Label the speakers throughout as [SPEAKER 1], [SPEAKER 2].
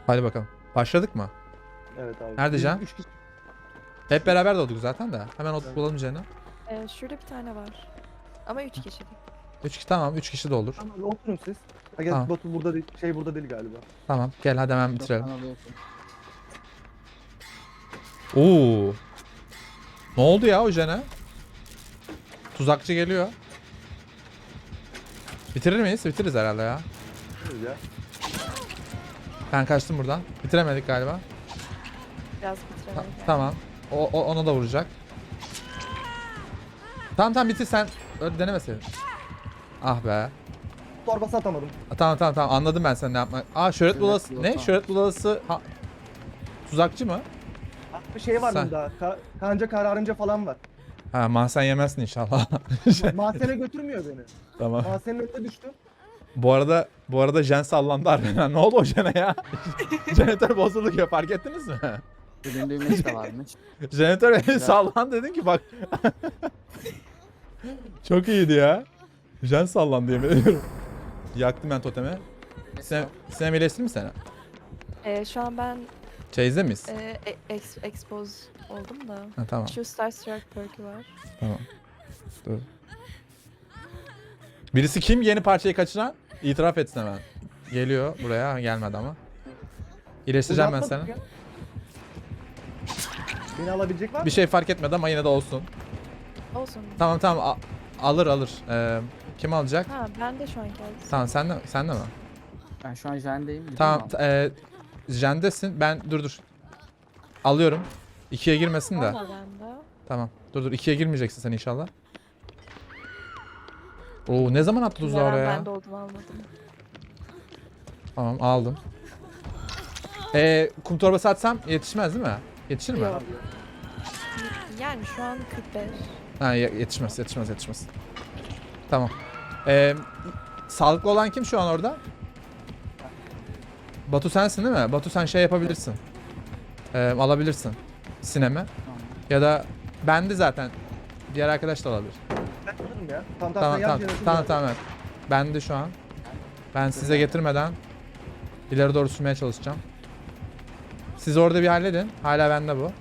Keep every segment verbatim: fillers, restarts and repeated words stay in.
[SPEAKER 1] Hadi bakalım. Başladık mı?
[SPEAKER 2] Evet abi.
[SPEAKER 1] Nerede
[SPEAKER 2] Biz
[SPEAKER 1] Can?
[SPEAKER 2] üç kişi.
[SPEAKER 1] Hep beraber doğduk zaten de. Hemen oturup
[SPEAKER 2] Evet.
[SPEAKER 1] bulalım Can'ı.
[SPEAKER 3] Ee, şurada bir tane var. Ama üç kişilik.
[SPEAKER 1] Üç kişi tamam. Üç kişi de olur.
[SPEAKER 2] Tamam abi, oturun siz. Ha gel
[SPEAKER 1] Tamam.
[SPEAKER 2] Batu burada değil. Şey burada değil galiba.
[SPEAKER 1] Tamam. Gel hadi hemen bitirelim.
[SPEAKER 4] Bana da olsun.
[SPEAKER 1] Oo. Ne oldu ya o Can'a? Tuzakçı geliyor. Bitirir miyiz? Bitiririz herhalde ya.
[SPEAKER 2] Değil ya.
[SPEAKER 1] Ben kaçtım buradan. Bitiremedik galiba.
[SPEAKER 3] Biraz
[SPEAKER 1] Ta-
[SPEAKER 3] bitiremedim. yani.
[SPEAKER 1] tamam. O, o onu da vuracak. Tamam tamam bitir sen. Öyle denemeseydin. Ah be.
[SPEAKER 2] Torbası atamadım.
[SPEAKER 1] Ha, tamam tamam tamam anladım ben sen ne yapma. Aa şöhret
[SPEAKER 4] Şöhret
[SPEAKER 1] bulası. Ne?
[SPEAKER 4] bulası.
[SPEAKER 1] Şöhret bulası. Ha. Tuzakçı mı?
[SPEAKER 2] Bir şey var
[SPEAKER 1] Sen-
[SPEAKER 2] bunda. Ka kanca kararınca falan var.
[SPEAKER 1] Ha mahzen yemezsin inşallah.
[SPEAKER 2] Mahzene götürmüyor beni.
[SPEAKER 1] Tamam.
[SPEAKER 2] Mahzenin önüne düştüm.
[SPEAKER 1] Bu arada bu arada Jen sallandı harbiden. Ne oldu o Jen'e ya? Jeneratör bozuldu ya fark ettiniz mi?
[SPEAKER 4] Bugün düğmesi de varmış.
[SPEAKER 1] Jeneratör sallandı dedin ki bak. Çok iyiydi ya. Jen sallandı yemin ediyorum. Yaktım ben totemi. Sen, sen iyileştin mi seni?
[SPEAKER 3] Ee, şu an ben
[SPEAKER 1] Chase'de miyiz?
[SPEAKER 3] e, e- ex, expose oldum da.
[SPEAKER 1] Ha, tamam
[SPEAKER 3] Şu Starstruck perk'ü var.
[SPEAKER 1] tamam. Dur. Birisi kim yeni parçayı kaçıran? İtiraf etsin hemen. Geliyor buraya gelmedi ama. İyileştireceğim ben
[SPEAKER 2] Burada
[SPEAKER 1] seni.
[SPEAKER 2] atmadık ya. Beni alabilecek var mı?
[SPEAKER 1] Bir şey fark etmedi ama yine de olsun.
[SPEAKER 3] Olsun.
[SPEAKER 1] Tamam tamam a- alır alır. Ee, kim alacak?
[SPEAKER 3] Ha ben de şu an geldim.
[SPEAKER 1] Tamam sen de sen de mi?
[SPEAKER 4] Ben şu an jendeyim. gidiyorum
[SPEAKER 1] Tamam
[SPEAKER 4] ama.
[SPEAKER 1] t- e, Jen'desin. Ben dur dur. Alıyorum. ikiye girmesin de.
[SPEAKER 3] Valla ben de.
[SPEAKER 1] Tamam. Dur dur ikiye girmeyeceksin sen inşallah. Oo ne zaman attı tuzağı
[SPEAKER 3] Neden
[SPEAKER 1] oraya ya?
[SPEAKER 3] ben de oldum almadım.
[SPEAKER 1] Tamam aldım. Ee, kum torbası atsam yetişmez değil mi? Yetişir mi?
[SPEAKER 3] Yok. Yani şu an kırk beş.
[SPEAKER 1] Ha ye- yetişmez yetişmez yetişmez. Tamam. Ee, sağlıklı olan kim şu an orada? Batu sensin değil mi? Batu sen şey yapabilirsin. Ee, alabilirsin. Sinemi.
[SPEAKER 4] Tamam.
[SPEAKER 1] Ya da bendi zaten. Diğer arkadaş da olabilir.
[SPEAKER 2] Ben alırım ya. Tamam tamam.
[SPEAKER 1] Tamam
[SPEAKER 2] sen yap,
[SPEAKER 1] tamam
[SPEAKER 2] jeneratörü
[SPEAKER 1] tamam
[SPEAKER 2] yap.
[SPEAKER 1] tamam evet. Bendi şu an. Ben size getirmeden ileri doğru sürmeye çalışacağım. Siz orada bir halledin. Hala bende bu.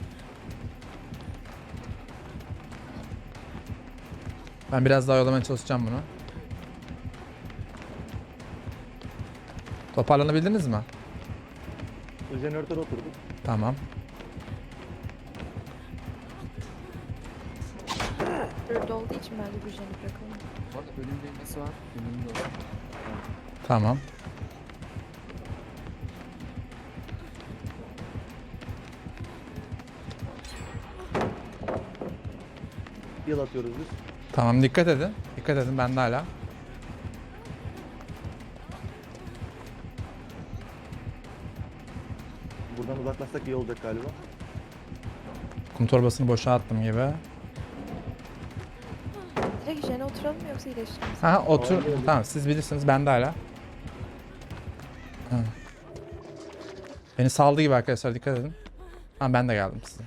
[SPEAKER 1] Ben biraz daha yolamaya çalışacağım bunu. Toparlanabildiniz mi?
[SPEAKER 2] Jeneratöre oturduk.
[SPEAKER 1] Tamam.
[SPEAKER 3] Burada olduğu için bence bu jeni bırakalım.
[SPEAKER 4] Bu arada ölüm düğmesi var. Ölüm de olsun.
[SPEAKER 1] Tamam.
[SPEAKER 2] Yıl atıyoruz biz.
[SPEAKER 1] Tamam dikkat edin. Dikkat edin bende hala.
[SPEAKER 2] Buradan uzaklaşsak iyi olacak galiba.
[SPEAKER 1] Kum torbasını boşa attım gibi.
[SPEAKER 3] Direkt jene oturalım mı yoksa iyileştirelim mi?
[SPEAKER 1] Ha otur.
[SPEAKER 2] Aynen öyle.
[SPEAKER 1] Tamam siz bilirsiniz bende hala. Ha. Beni saldı gibi arkadaşlar dikkat edin. Ha ben de geldim size.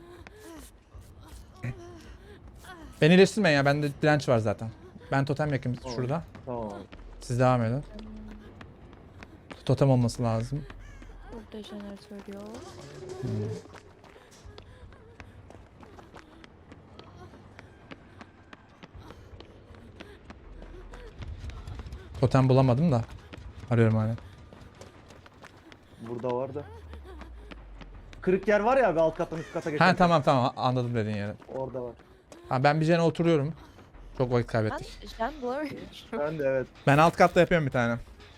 [SPEAKER 1] Beni iyileştirmeyin ya bende direnç var zaten. Ben totem yakayım
[SPEAKER 2] Tamam.
[SPEAKER 1] şurada.
[SPEAKER 2] Tamam abi.
[SPEAKER 1] Siz devam edin. Totem olması lazım.
[SPEAKER 3] Burada jeneratör yok.
[SPEAKER 1] Totem bulamadım da. Arıyorum hala.
[SPEAKER 2] Burada var da. Kırık yer var ya abi alt kattan üst kata geçen.
[SPEAKER 1] Ha tamam tamam anladım dediğin yeri.
[SPEAKER 2] Orada var.
[SPEAKER 1] Ha, ben bir jene oturuyorum. Çok vakit
[SPEAKER 3] Ben
[SPEAKER 1] kaybettik.
[SPEAKER 3] jen bulamıyorum.
[SPEAKER 2] Ben de evet.
[SPEAKER 1] Ben alt katta yapıyorum bir tane.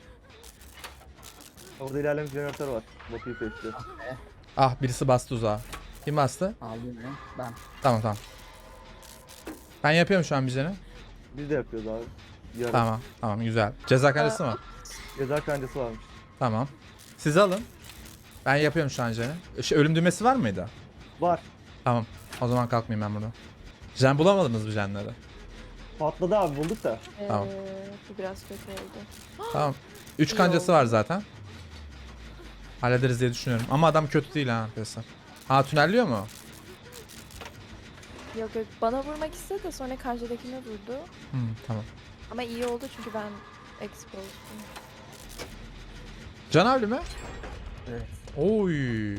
[SPEAKER 2] Orada ilerlemiş jeneratör var. Batu'yu peşti.
[SPEAKER 1] Ah birisi bastı tuzağa. Kim bastı?
[SPEAKER 4] Aldım ya. Ben.
[SPEAKER 1] Tamam tamam. Ben yapıyorum şu an bir jene.
[SPEAKER 2] Biz de yapıyoruz abi. Yarın.
[SPEAKER 1] Tamam tamam güzel. Ceza kancası mı?
[SPEAKER 2] Ceza kancası varmış.
[SPEAKER 1] Tamam. Siz alın. Ben yapıyorum şu an jene. Şey, ölüm düğmesi var mıydı?
[SPEAKER 2] Var.
[SPEAKER 1] Tamam. O zaman kalkmayayım ben burada. Jen bulamadınız mı jenleri?
[SPEAKER 2] Patladı abi bulduk da.
[SPEAKER 3] Ee,
[SPEAKER 1] Tamam.
[SPEAKER 3] Bu biraz kötü oldu.
[SPEAKER 1] Tamam. Üç
[SPEAKER 3] İyi
[SPEAKER 1] kancası
[SPEAKER 3] oldu.
[SPEAKER 1] var zaten. Hallederiz diye düşünüyorum. Ama adam kötü değil ha arkadaşlar. Ha tünelliyor mu?
[SPEAKER 3] Yok yok bana vurmak istedi de sonra karşıdakine vurdu.
[SPEAKER 1] Hmm, tamam.
[SPEAKER 3] Ama iyi oldu çünkü ben exposed'um.
[SPEAKER 1] Can avli mi?
[SPEAKER 4] Evet.
[SPEAKER 1] Oy.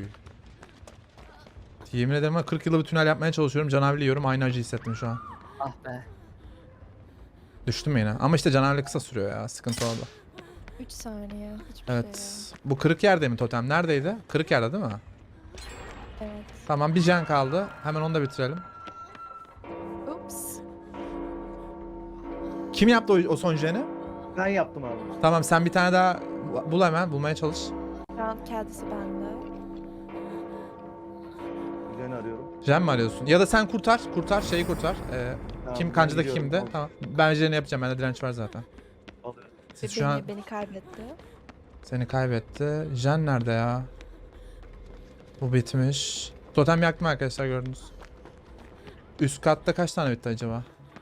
[SPEAKER 1] Yemin ederim ben kırk yılda bir tünel yapmaya çalışıyorum. Canavarlı yiyorum. Aynı acı hissettim şu an.
[SPEAKER 4] Ah be.
[SPEAKER 1] Düştüm yine. Ama işte canavarlı kısa sürüyor ya. Sıkıntı oldu.
[SPEAKER 3] üç saniye. Hiçbir
[SPEAKER 1] Evet.
[SPEAKER 3] şey
[SPEAKER 1] Bu kırık yerde mi totem? Neredeydi? Kırık yerde değil mi?
[SPEAKER 3] yok. Evet.
[SPEAKER 1] Tamam bir can kaldı. Hemen onu da bitirelim.
[SPEAKER 3] Ups.
[SPEAKER 1] Kim yaptı o, o son jeni?
[SPEAKER 2] Ben yaptım abi.
[SPEAKER 1] Tamam sen bir tane daha bul hemen. Bulmaya çalış.
[SPEAKER 3] Şu an kendisi bende.
[SPEAKER 2] Jeni arıyorum.
[SPEAKER 1] Jen mi arıyorsun? Ya da sen kurtar. Kurtar. Şeyi kurtar. Ee,
[SPEAKER 2] Tamam,
[SPEAKER 1] kim
[SPEAKER 2] ben
[SPEAKER 1] kancada
[SPEAKER 2] gidiyorum.
[SPEAKER 1] kimdi?
[SPEAKER 2] Al-
[SPEAKER 1] Tamam. Ben jeni yapacağım. Bende direnç var zaten.
[SPEAKER 2] Alıyorum.
[SPEAKER 1] Siz
[SPEAKER 3] beni,
[SPEAKER 1] şu an
[SPEAKER 3] beni kaybetti.
[SPEAKER 1] seni kaybetti. Jen nerede ya? Bu bitmiş. Totem yaktım arkadaşlar gördünüz. Üst katta kaç tane bitti acaba?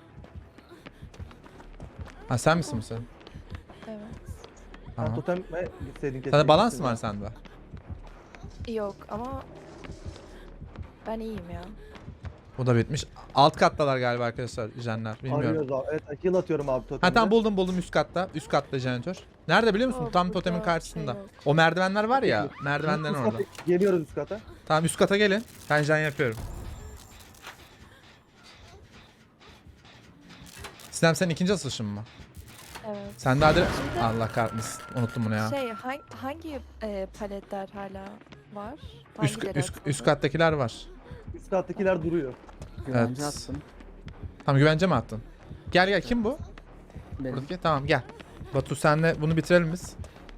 [SPEAKER 1] Ha sen misin sen?
[SPEAKER 3] Evet.
[SPEAKER 2] Sen
[SPEAKER 1] Tamam.
[SPEAKER 2] toteme gitseydin keşke.
[SPEAKER 1] Sende balans
[SPEAKER 2] gitseydin
[SPEAKER 1] mı var
[SPEAKER 2] ya.
[SPEAKER 1] sende?
[SPEAKER 3] Yok ama ben iyiyim ya.
[SPEAKER 1] Bu da bitmiş. Alt kattalar galiba arkadaşlar jenler. Bilmiyorum.
[SPEAKER 2] Arıyoruz abi. Evet, heal atıyorum abi totemde.
[SPEAKER 1] Ha tamam buldum buldum üst katta. Üst katta jeneratör. Nerede biliyor musun?
[SPEAKER 3] Aa,
[SPEAKER 1] Tam
[SPEAKER 3] burada
[SPEAKER 1] totemin
[SPEAKER 3] şey
[SPEAKER 1] karşısında.
[SPEAKER 3] yok.
[SPEAKER 1] O merdivenler var ya.
[SPEAKER 2] Üst
[SPEAKER 1] Merdivenlerin
[SPEAKER 2] kata-
[SPEAKER 1] orada.
[SPEAKER 2] Geliyoruz üst kata.
[SPEAKER 1] Tamam üst kata gelin. Ben jen yapıyorum. Sinem senin ikinci asılışın mı?
[SPEAKER 3] Evet.
[SPEAKER 1] Sen daha direkt...
[SPEAKER 3] Şimdi-
[SPEAKER 1] Allah kahretmesin. Unuttum bunu ya.
[SPEAKER 3] Şey hangi, hangi e, paletler hala var?
[SPEAKER 1] Üst,
[SPEAKER 3] Hangileri
[SPEAKER 1] üst,
[SPEAKER 3] atıldı?
[SPEAKER 1] üst kattakiler var.
[SPEAKER 2] Üst kattakiler duruyor.
[SPEAKER 4] Güvence
[SPEAKER 1] Evet.
[SPEAKER 4] attım.
[SPEAKER 1] Tamam güvence mi attın? Gel gel kim bu?
[SPEAKER 4] Benim.
[SPEAKER 1] Buradaki tamam gel. Batu senle bunu bitirelim biz.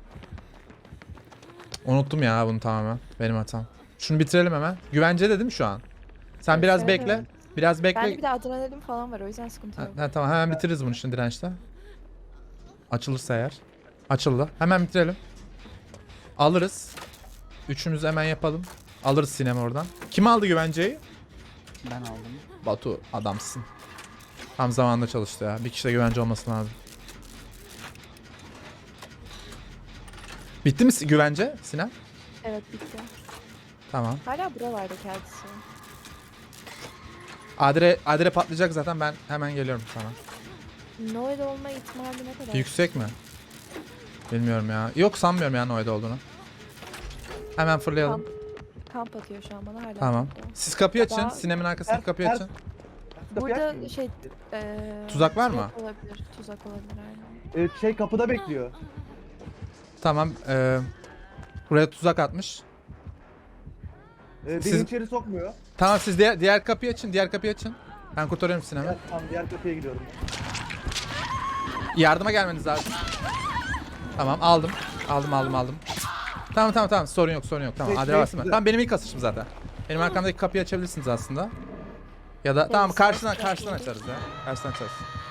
[SPEAKER 1] Unuttum ya bunu tamamen. Benim hatam. Şunu bitirelim hemen. Güvence dedim şu an. Sen
[SPEAKER 3] Evet,
[SPEAKER 1] biraz
[SPEAKER 3] evet,
[SPEAKER 1] bekle.
[SPEAKER 3] evet.
[SPEAKER 1] Biraz bekle.
[SPEAKER 3] Bende bir de adrenalin falan var o yüzden sıkıntı
[SPEAKER 1] Ha,
[SPEAKER 3] yok.
[SPEAKER 1] ha, tamam hemen bitiririz bunu şimdi dirençte. Açılırsa eğer. Açıldı. Hemen bitirelim. Alırız. Üçümüz hemen yapalım. Alırız sinema oradan. Kim aldı güvenceyi?
[SPEAKER 4] Ben aldım.
[SPEAKER 1] Batu adamsın. Tam zamanında çalıştı ya. Bir kişide güvence olması lazım. Bitti mi si- güvence Sinem?
[SPEAKER 3] Evet bitti.
[SPEAKER 1] Tamam.
[SPEAKER 3] Hala buralarda kendisi.
[SPEAKER 1] Adre, Adre patlayacak zaten ben hemen geliyorum sana.
[SPEAKER 3] Noel olma ihtimali ne kadar?
[SPEAKER 1] Yüksek mi? Bilmiyorum ya. Yok sanmıyorum ya Noe'de olduğunu. Hemen fırlayalım.
[SPEAKER 3] Kamp, kamp atıyor şu an bana hala.
[SPEAKER 1] Tamam.
[SPEAKER 3] burada.
[SPEAKER 1] Siz kapıyı açın.
[SPEAKER 3] Daha-
[SPEAKER 1] Sinem'in arkasındaki
[SPEAKER 2] Her-
[SPEAKER 1] kapıyı
[SPEAKER 2] her-
[SPEAKER 1] açın.
[SPEAKER 2] Kapıyı
[SPEAKER 3] Burada
[SPEAKER 2] açmıyor.
[SPEAKER 3] şey... E,
[SPEAKER 1] Tuzak var mı?
[SPEAKER 3] Tuzak olabilir. Tuzak olabilir aynen.
[SPEAKER 2] Ee, şey kapıda bekliyor.
[SPEAKER 1] Tamam. eee, buraya tuzak atmış.
[SPEAKER 2] Ee, beni
[SPEAKER 1] Siz-
[SPEAKER 2] içeri sokmuyor.
[SPEAKER 1] Tamam siz diğer, diğer kapıyı açın. Diğer kapıyı açın. Ben kurtarıyorum Sinem'i.
[SPEAKER 2] Diğer, tamam diğer kapıya gidiyorum.
[SPEAKER 1] Yardıma gelmeniz lazım. Tamam aldım. Aldım aldım aldım. Tamam tamam tamam sorun yok sorun yok. Tamam
[SPEAKER 2] Peki,
[SPEAKER 1] Adre basma.
[SPEAKER 2] güzel.
[SPEAKER 1] Tamam benim ilk asışım zaten. Benim arkamdaki kapıyı açabilirsiniz aslında. Ya da tamam
[SPEAKER 3] Neyse,
[SPEAKER 1] karşıdan
[SPEAKER 3] çok
[SPEAKER 1] karşıdan
[SPEAKER 3] iyi.
[SPEAKER 1] açarız ya. Karşıdan açarız.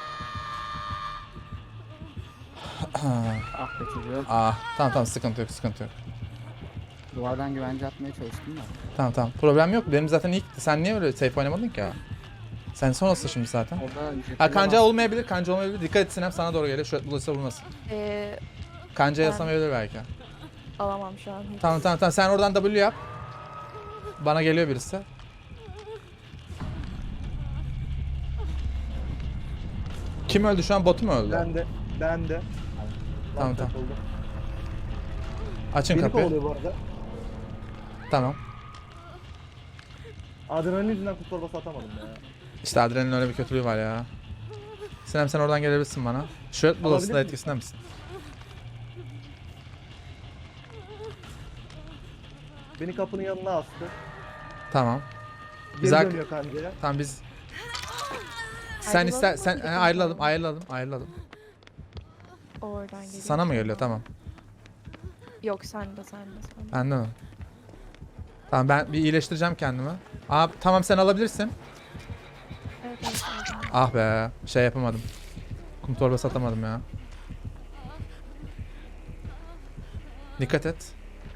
[SPEAKER 4] Ah be çocuğum.
[SPEAKER 1] Ah tamam tamam sıkıntı yok sıkıntı yok.
[SPEAKER 4] Duvardan güvence atmaya çalıştım da.
[SPEAKER 1] Tamam tamam problem yok. Benim zaten ilk sen niye öyle safe oynamadın ki ya? Sen son asışım zaten.
[SPEAKER 4] Orada
[SPEAKER 1] Ha kanca olmayabilir kanca olmayabilir. Dikkat et Sinem sana doğru geliyor. Şöyle bulaşsa vurmasın.
[SPEAKER 3] E,
[SPEAKER 1] Kanca
[SPEAKER 3] Ben-
[SPEAKER 1] yasamayabilir belki.
[SPEAKER 3] alamam şu an hiç.
[SPEAKER 1] Tamam tamam tamam sen oradan W yap. Bana geliyor birisi. Kim öldü şu an? Botu mu öldü?
[SPEAKER 2] Ben de. Ben de.
[SPEAKER 1] Tamam,
[SPEAKER 2] Lan,
[SPEAKER 1] tamam.
[SPEAKER 2] oldu.
[SPEAKER 1] Açın
[SPEAKER 2] Beni
[SPEAKER 1] kapıyı.
[SPEAKER 2] kovalıyor bu arada.
[SPEAKER 1] Tamam.
[SPEAKER 2] Adrenalin yüzünden kutu torbası atamadım ya.
[SPEAKER 1] İşte Adren'in öyle bir kötülüğü var ya. Sinem sen oradan gelebilirsin bana. Şöyle bulasında
[SPEAKER 2] miyim?
[SPEAKER 1] etkisinde misin?
[SPEAKER 2] Beni kapının yanına astı.
[SPEAKER 1] Tamam.
[SPEAKER 2] Geri
[SPEAKER 1] Biz ark-
[SPEAKER 2] dönüyor kancaya.
[SPEAKER 1] Tamam biz... Sen
[SPEAKER 3] Ayrılalım
[SPEAKER 1] ister
[SPEAKER 3] mı?
[SPEAKER 1] sen
[SPEAKER 3] Bir
[SPEAKER 1] he,
[SPEAKER 3] dakika.
[SPEAKER 1] ayrılalım ayrılalım ayrılalım.
[SPEAKER 3] O oradan geliyor.
[SPEAKER 1] Sana mı geliyor? Tamam.
[SPEAKER 3] Yok sen de sen de sen de.
[SPEAKER 1] Bende mi? Tamam ben bir iyileştireceğim kendimi. Aa tamam sen alabilirsin.
[SPEAKER 3] Evet evet. aldım.
[SPEAKER 1] Ah be şey yapamadım. Kum torbası atamadım ya. Dikkat et.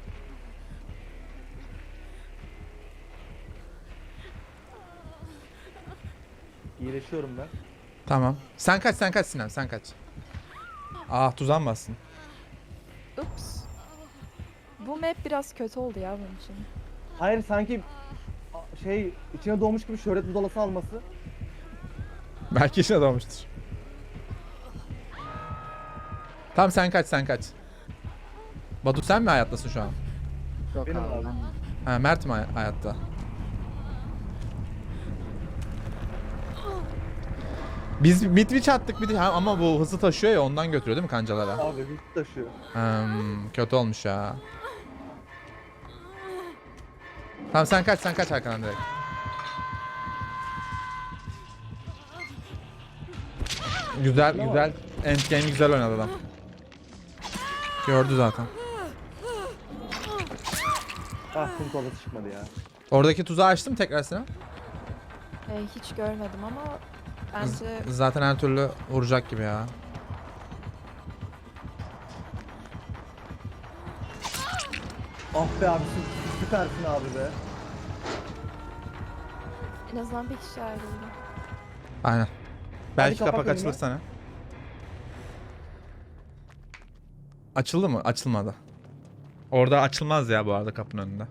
[SPEAKER 2] İyileşiyorum ben.
[SPEAKER 1] Tamam. Sen kaç sen kaç Sinem sen kaç. Ah tuzağın bassın.
[SPEAKER 3] Ups. Bu map biraz kötü oldu ya bunun için.
[SPEAKER 2] Hayır sanki a- şey içine doğmuş gibi şöhret budalası alması.
[SPEAKER 1] Belki işine doğmuştur. Tamam sen kaç sen kaç. Batu sen mi hayattasın şu an?
[SPEAKER 4] Yok
[SPEAKER 2] Benim
[SPEAKER 4] abi.
[SPEAKER 2] abi.
[SPEAKER 4] Ben...
[SPEAKER 1] Ha, Mert mi hay- hayatta? Biz midwich attık bir de ha, ama bu hızlı taşıyor ya ondan götürüyor değil mi kancalara?
[SPEAKER 2] Abi hız taşıyor.
[SPEAKER 1] Hmm, kötü olmuş ya. Tamam sen kaç sen kaç Hakan direkt. Güzel güzel. Endgame'i güzel oynadı adam. Gördü zaten.
[SPEAKER 2] Ah kum kovası çıkmadı ya.
[SPEAKER 1] Oradaki tuzağı açtım tekrar Sinan.
[SPEAKER 3] Ee, hiç görmedim ama
[SPEAKER 1] Z-
[SPEAKER 3] bence
[SPEAKER 1] zaten her türlü vuracak gibi ya.
[SPEAKER 2] Ah be abi sü- süpersin abi be.
[SPEAKER 3] en azından bir kişi ayrıldı.
[SPEAKER 1] Aynen. Belki
[SPEAKER 2] kapak
[SPEAKER 1] kapak
[SPEAKER 2] önünü.
[SPEAKER 1] açılır sana. Açıldı mı? Açılmadı. Orada açılmaz ya bu arada kapının önünde.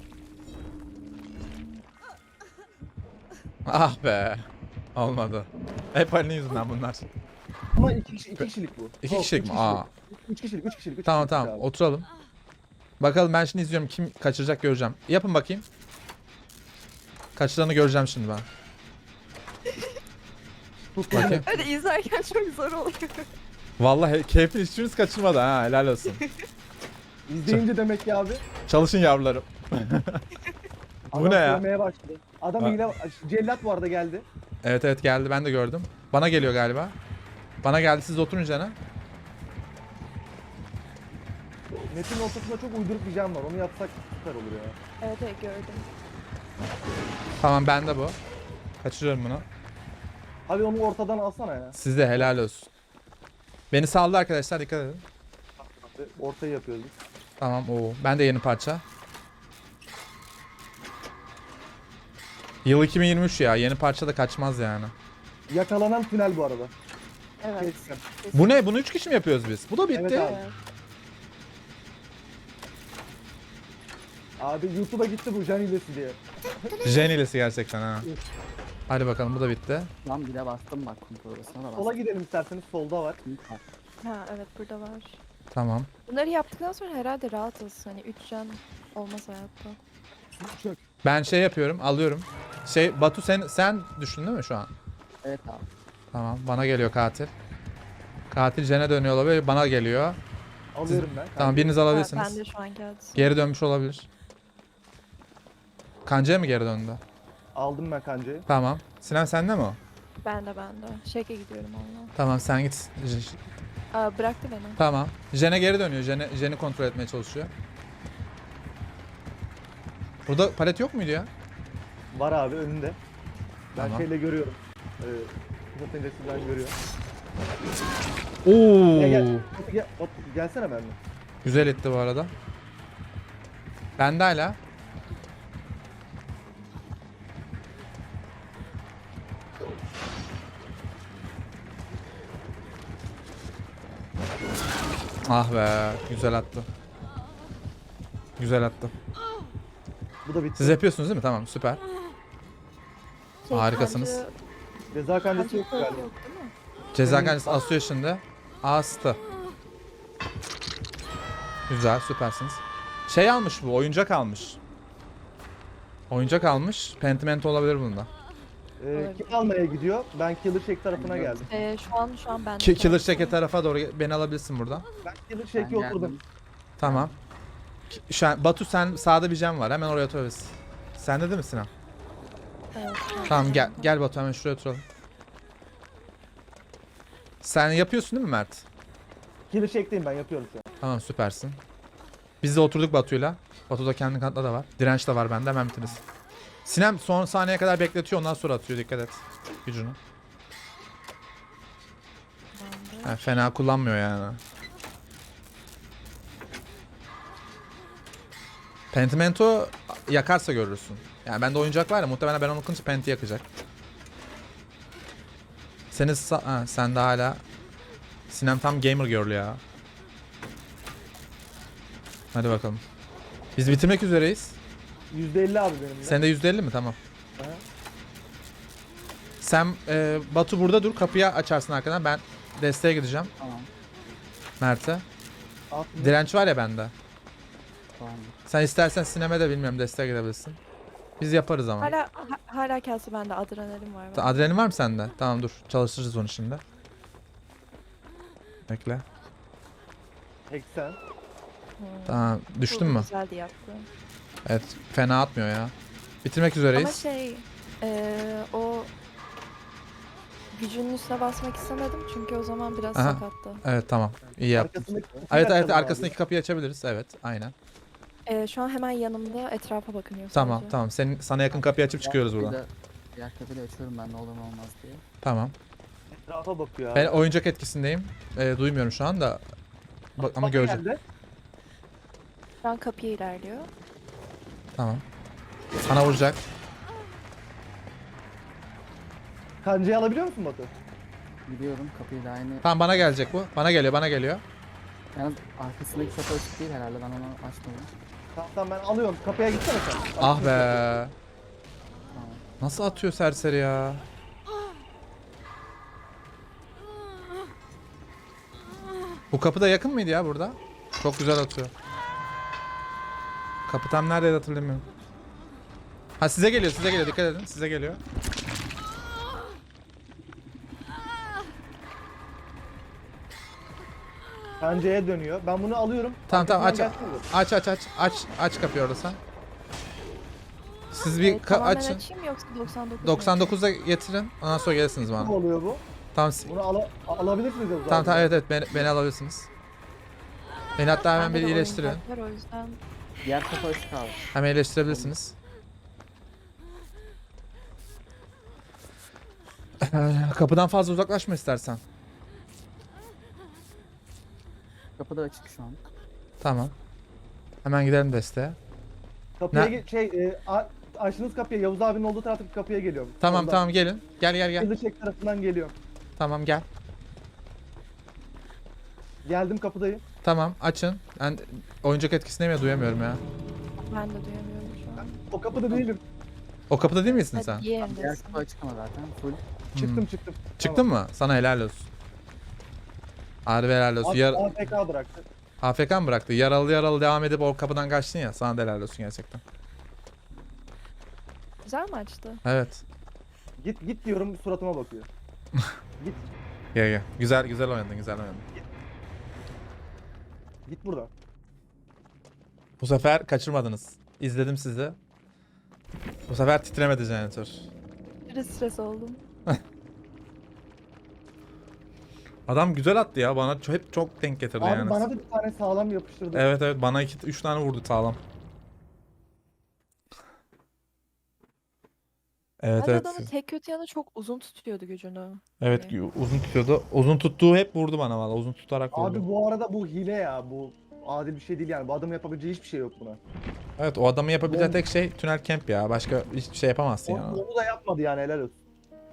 [SPEAKER 1] Ah be. Olmadı. Hep Ali'nin yüzünden bunlar.
[SPEAKER 2] Ama iki, kişi, iki kişilik bu.
[SPEAKER 1] İki
[SPEAKER 2] Yok,
[SPEAKER 1] kişilik
[SPEAKER 2] üç
[SPEAKER 1] mi? Aa.
[SPEAKER 2] Üç kişilik, üç kişilik. Üç
[SPEAKER 1] Tamam
[SPEAKER 2] kişilik
[SPEAKER 1] tamam
[SPEAKER 2] abi.
[SPEAKER 1] oturalım. Bakalım ben şimdi izliyorum kim kaçıracak göreceğim. Yapın bakayım. Kaçıranı göreceğim şimdi ben.
[SPEAKER 2] Tutturdum.
[SPEAKER 1] Bakayım.
[SPEAKER 3] Öyle izlerken çok zor oluyor.
[SPEAKER 1] Vallahi keyfin hiçbiriniz kaçırmadı ha helal olsun.
[SPEAKER 2] İzleyince demek ki abi.
[SPEAKER 1] Çalışın yavrularım. Bu
[SPEAKER 2] Adam
[SPEAKER 1] ne ya?
[SPEAKER 2] sövmeye başladı. Adam
[SPEAKER 1] Ha.
[SPEAKER 2] hile... Cellat bu arada geldi.
[SPEAKER 1] Evet evet geldi ben de gördüm. Bana geliyor galiba. Bana geldi siz oturun cana.
[SPEAKER 2] Metin ortasında çok uyduruk bir cam var. Onu yapsak süper olur ya.
[SPEAKER 3] Evet evet gördüm.
[SPEAKER 1] Tamam bende bu. Kaçırıyorum bunu.
[SPEAKER 2] Abi onu ortadan alsana ya.
[SPEAKER 1] Sizde helal olsun. Beni saldı arkadaşlar dikkat edin.
[SPEAKER 2] Ortayı yapıyoruz biz.
[SPEAKER 1] Tamam o. Ben de yeni parça. Yıl iki bin yirmi üç ya. Yeni parça da kaçmaz yani.
[SPEAKER 2] Yakalanan tünel bu arada.
[SPEAKER 3] Evet.
[SPEAKER 2] Kesin.
[SPEAKER 1] Bu ne? Bunu üç kişi mi yapıyoruz biz? Bu da bitti.
[SPEAKER 2] Evet abi.
[SPEAKER 3] Evet.
[SPEAKER 2] Abi YouTube'a gitti bu can hilesi diye.
[SPEAKER 1] Jenilesi gerçekten ha. Hadi bakalım bu da bitti.
[SPEAKER 4] Lan bir de bastım bak kontrol odasına da
[SPEAKER 2] Sola
[SPEAKER 4] bastım.
[SPEAKER 2] gidelim isterseniz, solda var.
[SPEAKER 3] Ha evet burada var.
[SPEAKER 1] Tamam.
[SPEAKER 3] Bunları yaptıktan sonra herhalde rahatız. Hani üç can olmaz hayatta.
[SPEAKER 1] Ben şey yapıyorum, alıyorum. Şey Batu sen sen düştün değil mi şu an?
[SPEAKER 4] Evet abi.
[SPEAKER 1] Tamam. Bana geliyor katil. Katil Jen'e dönüyor olabilir. Bana geliyor.
[SPEAKER 2] Alıyorum ben.
[SPEAKER 1] Tamam biriniz
[SPEAKER 3] Ha,
[SPEAKER 1] alabilirsiniz.
[SPEAKER 3] ben de şu an geldi.
[SPEAKER 1] Geri dönmüş olabilir. Kancaya mı geri döndü?
[SPEAKER 2] Aldım ben kancayı.
[SPEAKER 1] Tamam. Sinan sende mi o?
[SPEAKER 3] Ben de ben de. Şeke gidiyorum onunla.
[SPEAKER 1] Tamam sen git. J-
[SPEAKER 3] Aa, bıraktı beni.
[SPEAKER 1] Tamam. Jen'e geri dönüyor. Jen'e Jen'i kontrol etmeye çalışıyor. Burada palet yok muydu ya?
[SPEAKER 2] Var abi önünde. Ben
[SPEAKER 1] Tamam.
[SPEAKER 2] şeyle görüyorum. Ee, Zaten ben görüyorum.
[SPEAKER 1] Oo.
[SPEAKER 2] Gel gel. Batu, gel. Batu, gelsene benimle.
[SPEAKER 1] Güzel etti bu arada. Bende hala. Ah be, güzel attı. Güzel attı.
[SPEAKER 2] Bu da bitti.
[SPEAKER 1] Siz yapıyorsunuz değil mi? Tamam, süper.
[SPEAKER 3] Şey,
[SPEAKER 1] Harikasınız.
[SPEAKER 3] kancı-
[SPEAKER 2] Ceza kancası
[SPEAKER 3] kancı
[SPEAKER 2] yok
[SPEAKER 3] yok
[SPEAKER 2] galiba.
[SPEAKER 3] değil mi?
[SPEAKER 1] Ceza kancası asıyor şimdi. Astı. Güzel, süpersiniz. Şey almış bu, oyuncak almış. Oyuncak almış. Pentiment olabilir bunda.
[SPEAKER 2] Ee, kim almaya gidiyor? Ben Killer Shake tarafına geldim.
[SPEAKER 3] Ee, şu an şu an ben.
[SPEAKER 1] Ki Killer Shack'e tarafa doğru ge- beni alabilirsin buradan.
[SPEAKER 2] Ben Killer
[SPEAKER 4] Ben
[SPEAKER 2] Shake'e oturdum.
[SPEAKER 4] geldim.
[SPEAKER 1] Tamam. Ki- Şu an Batu sen sağda bir jam var. Hemen oraya oturabilirsin. Sende değil mi Sinan?
[SPEAKER 3] Evet, şu an
[SPEAKER 1] Tamam gel
[SPEAKER 3] ben de.
[SPEAKER 1] gel Batu hemen şuraya oturalım. Sen yapıyorsun değil mi Mert?
[SPEAKER 2] Killer Shake'deyim ben, yapıyorum şu an.
[SPEAKER 1] Tamam süpersin. Biz de oturduk Batu'yla. Batu da kendi kanatla da var. Direnç de var bende hemen bitiririz. Sinem son saniyeye kadar bekletiyor ondan sonra atıyor dikkat et. Gücünü.
[SPEAKER 3] Ben de.
[SPEAKER 1] Ha, fena kullanmıyor yani. Pentimento yakarsa görürsün. Yani bende oyuncak var ya muhtemelen ben onu kınca penti yakacak. Senin sa- ha, sen de hala Sinem tam gamer girl ya. Hadi bakalım. Biz bitirmek üzereyiz.
[SPEAKER 2] yüzde elli abi benim de.
[SPEAKER 1] Sen de yüzde elli mi? Tamam.
[SPEAKER 2] Aha.
[SPEAKER 1] Sen e, Batu burada dur kapıyı açarsın arkadan ben desteğe gideceğim
[SPEAKER 4] Tamam.
[SPEAKER 1] Mert'e.
[SPEAKER 2] Altında.
[SPEAKER 1] Direnç var ya bende.
[SPEAKER 4] falandır.
[SPEAKER 1] Sen istersen sineme de bilmiyorum destek edebilirsin. Biz yaparız ama.
[SPEAKER 3] Hala ha- hala kelse bende adrenalin var. bende.
[SPEAKER 1] Adrenalin var mı sende? Tamam dur. Çalıştırırız onu şimdi. Bekle.
[SPEAKER 2] seksen.
[SPEAKER 3] Hmm.
[SPEAKER 1] Tamam. Düştün
[SPEAKER 3] Bu
[SPEAKER 1] mü?
[SPEAKER 3] Güzeldi yaptın.
[SPEAKER 1] Evet. Fena atmıyor ya. Bitirmek üzereyiz.
[SPEAKER 3] Ama şey eee, o gücünün üstüne basmak istemedim çünkü o zaman biraz
[SPEAKER 1] Aha.
[SPEAKER 3] sakattı.
[SPEAKER 1] Evet tamam. İyi yaptın.
[SPEAKER 2] Arkasındaki kutuyu
[SPEAKER 1] Evet evet
[SPEAKER 2] açalım abi.
[SPEAKER 1] arkasındaki kapıyı açabiliriz. Evet aynen.
[SPEAKER 3] Eee, şu an hemen yanımda etrafa bakınıyor
[SPEAKER 1] Tamam
[SPEAKER 3] sadece.
[SPEAKER 1] tamam. Senin sana yakın kapıyı açıp çıkıyoruz
[SPEAKER 4] Diğer
[SPEAKER 1] buradan.
[SPEAKER 4] kapıyı da- Diğer kapıyı da açıyorum ben ne olur ne olmaz diye.
[SPEAKER 1] Tamam.
[SPEAKER 2] Etrafa bakıyor abi.
[SPEAKER 1] Ben oyuncak etkisindeyim. Ee, duymuyorum şu anda. Bak, ama
[SPEAKER 2] Bak
[SPEAKER 1] göreceğim.
[SPEAKER 2] geldi.
[SPEAKER 3] Şu an kapıya ilerliyor.
[SPEAKER 1] Tamam. Sana vuracak.
[SPEAKER 2] Kancayı alabiliyor musun Batu?
[SPEAKER 4] Gidiyorum kapıyı da aynı.
[SPEAKER 1] Tamam bana gelecek bu. Bana geliyor bana geliyor.
[SPEAKER 4] Yalnız arkasındaki kapı açık değil herhalde ben onu açmadım.
[SPEAKER 2] Tamam tamam ben alıyorum. Kapıya gitsene sen.
[SPEAKER 1] Ah be.
[SPEAKER 4] Tamam.
[SPEAKER 1] Nasıl atıyor serseri ya? Bu kapı da yakın mıydı ya burada? Çok güzel atıyor. Kapı tam neredeydi hatırlamıyorum. Ha size geliyor size geliyor dikkat edin size geliyor.
[SPEAKER 2] Kancaya dönüyor. Ben bunu alıyorum.
[SPEAKER 1] Tamam tamam aç
[SPEAKER 2] Arkasından gelsene.
[SPEAKER 1] aç aç aç aç aç kapıyı orada sen. Siz bir
[SPEAKER 3] Eee,
[SPEAKER 1] ka-
[SPEAKER 3] tamamen
[SPEAKER 1] açın.
[SPEAKER 3] açayım yoksa doksan dokuz mu?
[SPEAKER 1] doksan dokuza getirin. Ondan sonra gelirsiniz
[SPEAKER 2] Ne
[SPEAKER 1] bana.
[SPEAKER 2] oluyor bu?
[SPEAKER 1] Tamam si-
[SPEAKER 2] Bunu ala alabilirsiniz ya.
[SPEAKER 1] tamam tamam evet evet beni, beni alabilirsiniz. Beni hatta hemen
[SPEAKER 3] Bende
[SPEAKER 1] bir
[SPEAKER 3] de
[SPEAKER 1] iyileştirin.
[SPEAKER 3] oyuncak var, o yüzden
[SPEAKER 4] Diğer kapı açık abi.
[SPEAKER 1] Hemen iyileştirebilirsiniz. Ee, Kapıdan fazla uzaklaşma istersen.
[SPEAKER 4] Kapı da açık şu an.
[SPEAKER 1] Tamam. Hemen gidelim desteğe.
[SPEAKER 2] Kapıya
[SPEAKER 1] Ne-
[SPEAKER 2] ge- şey e, a- açtığınız kapıya Yavuz abinin olduğu taraftaki kapıya geliyorum.
[SPEAKER 1] Tamam
[SPEAKER 2] Oradan.
[SPEAKER 1] tamam gelin. Gel gel gel.
[SPEAKER 2] Kılıçek tarafından geliyorum.
[SPEAKER 1] Tamam gel.
[SPEAKER 2] Geldim kapıdayım.
[SPEAKER 1] Tamam açın. Ben oyuncak etkisindeyim ya duyamıyorum ya.
[SPEAKER 3] ben de duyamıyorum şu an.
[SPEAKER 2] O kapıda değilim.
[SPEAKER 1] O kapıda değil misin
[SPEAKER 3] Hadi
[SPEAKER 1] sen?
[SPEAKER 4] Diğer
[SPEAKER 3] yerindesin.
[SPEAKER 4] kapı açık ama zaten full.
[SPEAKER 2] Çıktım
[SPEAKER 1] Hmm.
[SPEAKER 2] çıktım.
[SPEAKER 1] Çıktın mı? Sana helal olsun. Harbi helal olsun. Yar
[SPEAKER 2] A F K bıraktı.
[SPEAKER 1] A F K mı bıraktı? Yaralı yaralı devam edip o kapıdan kaçtın ya. Sana da helal olsun gerçekten.
[SPEAKER 3] Güzel mi açtı?
[SPEAKER 1] Evet.
[SPEAKER 2] Git git diyorum suratıma bakıyor. Git
[SPEAKER 1] Gel gel. Güzel güzel oynadın güzel oynadın.
[SPEAKER 2] git buradan.
[SPEAKER 1] Bu sefer kaçırmadınız. İzledim sizi. Bu sefer titremedi jeneratör.
[SPEAKER 3] Biraz stres oldum.
[SPEAKER 1] Adam güzel attı ya. Bana ço- hep çok denk getirdi
[SPEAKER 2] Abi
[SPEAKER 1] yani.
[SPEAKER 2] bana da bir tane sağlam yapıştırdı.
[SPEAKER 1] Evet evet bana iki üç tane vurdu sağlam. Evet
[SPEAKER 3] Bence
[SPEAKER 1] evet.
[SPEAKER 3] adamın tek kötü yanı çok uzun tutuyordu gücünü.
[SPEAKER 1] Evet
[SPEAKER 3] Hani
[SPEAKER 1] uzun tutuyordu. Uzun tuttuğu hep vurdu bana valla. Uzun tutarak vurdu.
[SPEAKER 2] Abi bu arada bu hile ya. Bu adil bir şey değil yani. Bu adamın yapabileceği hiçbir şey yok buna.
[SPEAKER 1] Evet o adamın yapabileceği
[SPEAKER 2] Oğlum-
[SPEAKER 1] tek şey tünel camp ya. Başka hiçbir şey yapamazsın ya.
[SPEAKER 2] Onu, onu da yapmadı yani helal olsun.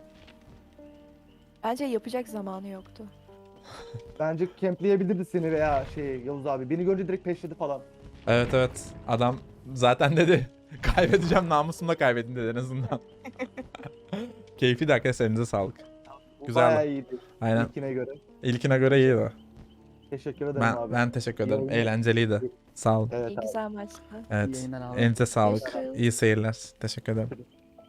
[SPEAKER 3] Bence yapacak zamanı yoktu.
[SPEAKER 2] Bence kempleyebilirdi seni veya şey Yavuz abi. Beni görünce direkt peşledi falan.
[SPEAKER 1] Evet evet. Adam zaten dedi. Kaybedeceğim namusumla kaybedin dedi en azından. Keyifli de arkadaşlar elinize sağlık.
[SPEAKER 2] Bu
[SPEAKER 1] Güzel.
[SPEAKER 2] bayağı iyiydi.
[SPEAKER 1] Aynen.
[SPEAKER 2] İlkine göre.
[SPEAKER 1] İlkine göre iyiydi.
[SPEAKER 2] Teşekkür ederim
[SPEAKER 1] Ben,
[SPEAKER 2] abi.
[SPEAKER 1] ben teşekkür
[SPEAKER 2] İyi
[SPEAKER 1] ederim.
[SPEAKER 2] oyunlar.
[SPEAKER 1] Eğlenceliydi. Sağ olun.
[SPEAKER 2] Evet
[SPEAKER 3] İyi
[SPEAKER 2] abi.
[SPEAKER 3] güzel maçtı.
[SPEAKER 1] Evet.
[SPEAKER 4] Yayınlar abi.
[SPEAKER 1] Elinize sağlık.
[SPEAKER 3] Görüşürüz.
[SPEAKER 1] İyi seyirler. Teşekkür ederim.